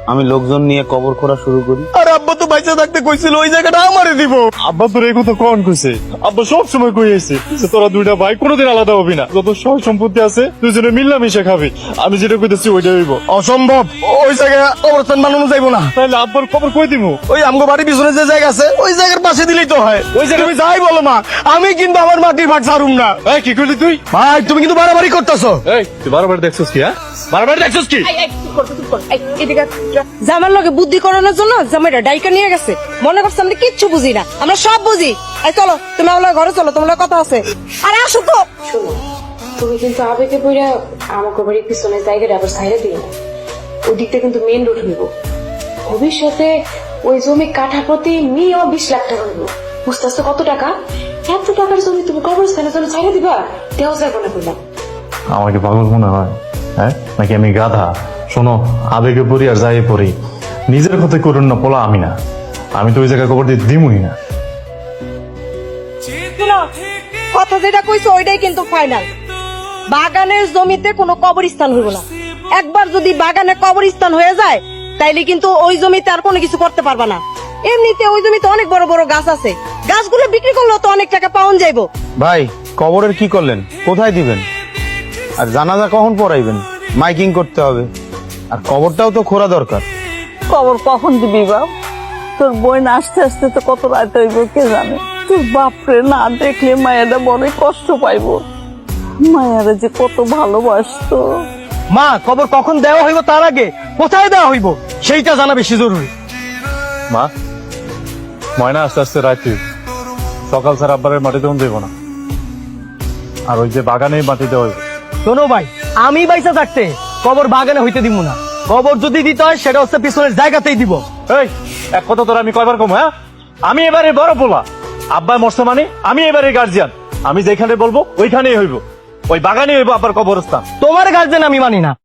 আমি লোকজন নিয়ে কবর খোঁড়া শুরু করি? আর আব্বা তো বাইচা থাকতে কইছিল ওই জায়গাটা আমারে দিব। আব্বা তোর এই কথা কখন কইছে? আব্বা সব সময় কইছে যে তোরা দুইটা ভাই কোনোদিন আলাদা হবি না, যত সব সম্পত্তি আছে দুজনে মিলামিশা খাবি। আমি যেটা কইতেছি ওইটা হইব। অসম্ভব, ওই জায়গায় কবরস্থান বানানো যাইব না। তাহলে আব্বার খবর কই দিমু? ওই আমগো বাড়ির পিছনে যে জায়গা আছে ওই জায়গার পাশে দিলেই তো হয়। ওই জায়গায় তুমি যাই বলো মা, আমি কিন্তু আমার মাটির ভাগ ছাড়ুম না। এই কি করলি তুই? ভাই তুমি কিন্তু বাড়াবাড়ি করতেছো। এই তুই বারবার দেখছস কি? হ্যাঁ বারবার দেখছস কি? জামার লগে বুদ্ধি করানোর জন্য জামাইটা ডাইকা নিয়ে গেছে, মনে করছে আমরা কিচ্ছু বুঝি না, আমরা সব বুঝি। এই চলো তুমি আমার ঘরে চলো, তোমার কথা আছে। আরে আসো তো। শোনো, তুমি কিন্তু আবেগে পড়া আমাকে বাড়ির পিছনে জায়গাটা আবার ছাইড়া দিও না। ওই দিকটা কিন্তু মেন রোড হইব। ভবিষ্যতে ওই জমি কাঠা প্রতি মিনিমাম 20 লাখ টাকা হইব। বুঝতেছো কত টাকা? এত টাকার জমি তুমি কবরস্থানের জন্য ছাইড়া দিবা? দেওয়া যাবে না বললাম। আমাকে পাগল মনে হয়? হ্যাঁ নাকি আমি গাধা? শোনো, আবেগে পড়ি আর যাই পড়ি, নিজের ক্ষতি করুন না পোলা আমি না। আমি তো ওই জায়গায় কবর দিয়ে দিমুই না। শোনো, কথা যেটা কইছো ওইটাই কিন্তু ফাইনাল। বাগানের জমিতে কোনো কবরস্থান হইব না। একবার যদি বাগানে কবরস্থান হয়ে যায় তাইলে কিন্তু ওই জমিতে আর কোনো কিছু করতে পারবা না। এমনিতে ওই জমিতে অনেক বড় বড় গাছ আছে, গাছগুলো বিক্রি করলেও তো অনেক টাকা পাওয়া যাইবো। ভাই কবরের কি করলেন? কোথায় দিবেন? আর জানাজা কখন পড়াইবেন? মাইকিং করতে হবে, আর কবরটাও তো খোঁড়া দরকার। খবর কখন দিবি বাপ? তোর বোন আসতে আসতে তো কত রাত হইব কে জানে। তোর বাপরে না দেখলে মায়েরা বড়ই কষ্ট পাইব। মায়েরা যে কত ভালোবাসতো। মা, কবর কখন দেওয়া হইব তার আগে কোথায় দেওয়া হইব সেইটা জানা বেশি জরুরি। মা, ময়না আস্তে আস্তে রাইতে সকাল স্যার আব্বারের মাটি দেওয়া দেবো না, আর ওই যে বাগানে মাটি দেওয়া হইব। শোনো ভাই, আমি বাইসা থাকতে কবর বাগানে হইতে দিব না। কবর যদি দিতে হয় সেটা হচ্ছে পিছনের জায়গাতেই দিব। এই এক কথা তোর আমি কয়বার কম? হ্যাঁ আমি এবারে বড় পোলা, আব্বা মরছে মানে আমি এবারে গার্জিয়ান। আমি যেখানে বলবো ওইখানেই হইব, ওই বাগানে হইব আব্বার কবরস্থান। তোমার গার্জেন আমি মানি না।